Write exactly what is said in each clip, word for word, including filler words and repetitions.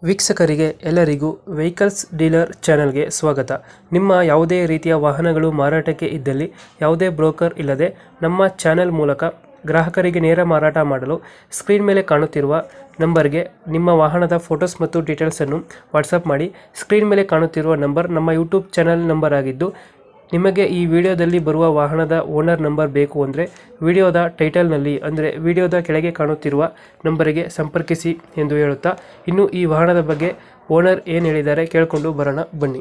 ವೀಕ್ಷಕರಿಗೆ ಎಲ್ಲರಿಗೂ vehicles dealer ಚಾನೆಲ್ಗೆ ಸ್ವಾಗತ. ನಿಮ್ಮ ಯಾವುದೇ ರೀತಿಯ ವಾಹನಗಳು ಮಾರಾಟಕ್ಕೆ ಇದ್ದಲ್ಲಿ ಯಾವುದೇ ಬ್ರೋಕರ್ ಇಲ್ಲದೆ ನಮ್ಮ ಚಾನೆಲ್ ಮೂಲಕ ಗ್ರಾಹಕರಿಗೆ ನೇರ ಮಾರಾಟ ಮಾಡಲು ಸ್ಕ್ರೀನ್ ಮೇಲೆ ಕಾಣುತ್ತಿರುವ ನಂಬರ್ಗೆ ನಿಮ್ಮ ವಾಹನದ ಫೋಟೋಸ್ ಮತ್ತು ಡೀಟೇಲ್ಸನ್ನು ವಾಟ್ಸಪ್ ಮಾಡಿ. ಸ್ಕ್ರೀನ್ ಮೇಲೆ ಕಾಣುತ್ತಿರುವ ನಂಬರ್ ನಮ್ಮ ಯೂಟ್ಯೂಬ್ ಚಾನೆಲ್ ನಂಬರ್ ಆಗಿದ್ದು, ನಿಮಗೆ ಈ ವಿಡಿಯೋದಲ್ಲಿ ಬರುವ ವಾಹನದ ಓನರ್ ನಂಬರ್ ಬೇಕು ಅಂದರೆ ವಿಡಿಯೋದ ಟೈಟಲ್ನಲ್ಲಿ ಅಂದರೆ ವಿಡಿಯೋದ ಕೆಳಗೆ ಕಾಣುತ್ತಿರುವ ನಂಬರಿಗೆ ಸಂಪರ್ಕಿಸಿ ಎಂದು ಹೇಳುತ್ತಾ, ಇನ್ನು ಈ ವಾಹನದ ಬಗ್ಗೆ ಓನರ್ ಏನು ಹೇಳಿದ್ದಾರೆ ಕೇಳಿಕೊಂಡು ಬರೋಣ ಬನ್ನಿ.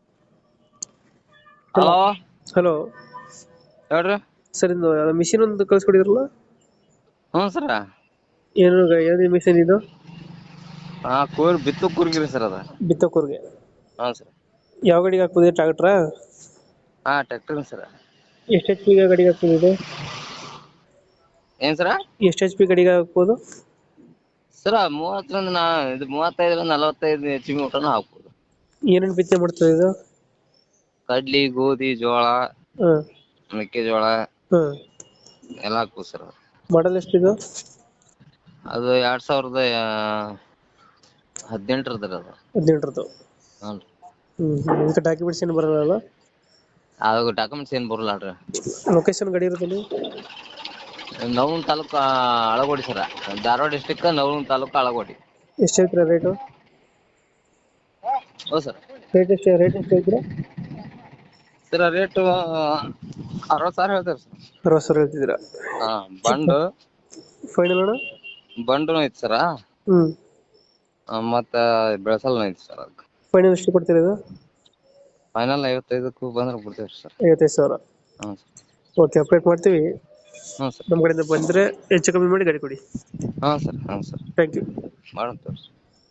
ಹಲೋ ಹಲೋ ಹೇಳ್ರಿ. ಸರ್, ಇದು ಮಿಷಿನ್ ಒಂದು ಕಳಿಸ್ಕೊಡಿದ್ರಲ್ಲ, ಹ್ಞೂ ಸರ. ಏನು ಏನು ಮಿಷಿನ್ ಇದು? ಹಾ ಕೂರ್ ಬಿತ್ತು ಕೂರ್ಗಿರಿ ಸರ್ ಅದ. ಬಿತ್ತಕೂರ್ಗೆ ಹ್ಞೂ ಸರ್. ಯಾವ ಗಾಡಿಗೆ ಹಾಕ್ಬೋದಿದೆ? ಟ್ರಾಕ್ಟ್ರಾ? ಹಾ ಟ್ರ್ಯಾಕ್ಟರ್ ಸರ. ಎಷ್ಟು ಎಚ್ ಪಿ ಗಾಡಿಗೆ ಹಾಕ್ಬೋದಿದೆ? ಏನ್ ಸರ? ಎಷ್ಟು ಎಚ್ ಪಿ ಗಾಡಿಗೆ ಹಾಕ್ಬೋದು? ಸರ ಮೂವತ್ತರಿಂದ ನಾ ಇದು ಮೂವತ್ತೈದರಿಂದ ನಲವತ್ತೈದು ಎಚ್ ಪಿ ಊಟನೂ ಹಾಕ್ಬೋದು. ಏನೇನು ಬಿತ್ತನೆ ಮಾಡ್ತದೆ ಇದು? ಕಡ್ಲಿ, ಗೋಧಿ, ಜೋಳ, ಹಾಂ ಮೆಕ್ಕೆಜೋಳ ಹಾಂ ಎಲ್ಲ ಹಾಕ್ಬೋದು ಸರ್. ಮಾಡಲ್ ಎಷ್ಟಿದು? ಅದು ಎರಡ್ ಸಾವಿರದ ಹದಿನೆಂಟರದ ಅದು. ಹದಿನೆಂಟರದ್ದು? ಹ್ಞೂ ರೀ. ಹ್ಞೂ ಇದಕ್ಕೆ ಡಾಕ್ಯುಮೆಂಟ್ಸ್ ಏನು ಬರೋಲ್ಲ? ಅದು ಡಾಕ್ಯುಮೆಂಟ್ಸ್ ಏನು ಬರಲ್ಲ ರೀ. ಲೊಕೇಶನ್ ಗಾಡಿ ಇರೋದಲ್ಲಿ? ನವಲಗುಂದ ತಾಲೂಕು ಅಳಗೋಡಿ ಸರ. ಧಾರವಾಡ ಡಿಸ್ಟಿಕ್ ನವಲಗುಂದ ತಾಲೂಕು ಅಳಗೋಡಿ. ಎಷ್ಟು ಹೇಳ್ತೀರಾ ರೇಟು? ಹೌದು ಸರ್. ರೇಟ್ ಎಷ್ಟು ರೇಟ್ ಎಷ್ಟು ಹೇಳ್ತೀರಾ? ಸರ ರೇಟು ಅರವತ್ತು ಸಾವಿರ ಹೇಳ್ತಾರೆ ಸರ್. ಅರವತ್ತು ಸಾವಿರ ಹೇಳ್ತಿದ್ದೀರಾ? ಹಾ ಬಂಡು ಫೈನಲ್ ಅಣ್ಣ? ಬಂಡುನು ಐತಿ ಸರ. ಹ್ಞೂ. ಮತ್ತ ಬೆಳಸಲ್ನು ಐತಿ ಸರ್. ಅದಕ್ಕೆ ಫೈನಲ್ ಎಷ್ಟು ಕೊಡ್ತೀರಾ ಇದು? ಫೈನಲ್ ಐವತ್ತೈದಕ್ಕೂ ಬಂದ್ರೆ ಬಿಡ್ತೇವೆ ಸರ್. ಐವತ್ತೈದು ಸಾವಿರ? ಹ್ಞೂ ಸರ್. ಓಕೆ, ಅಪ್ಡೇಟ್ ಮಾಡ್ತೀವಿ. ಹ್ಞೂ ಸರ್. ನಮ್ಮ ಕಡೆಯಿಂದ ಬಂದರೆ ಹೆಚ್ಚು ಕಮ್ಮಿ ಮಾಡಿ ಗಾಡಿ ಕೊಡಿ. ಹಾಂ ಸರ್. ಹಾಂ ಸರ್. Thank you. ಮಾಡೋಣ ತೋರಿ.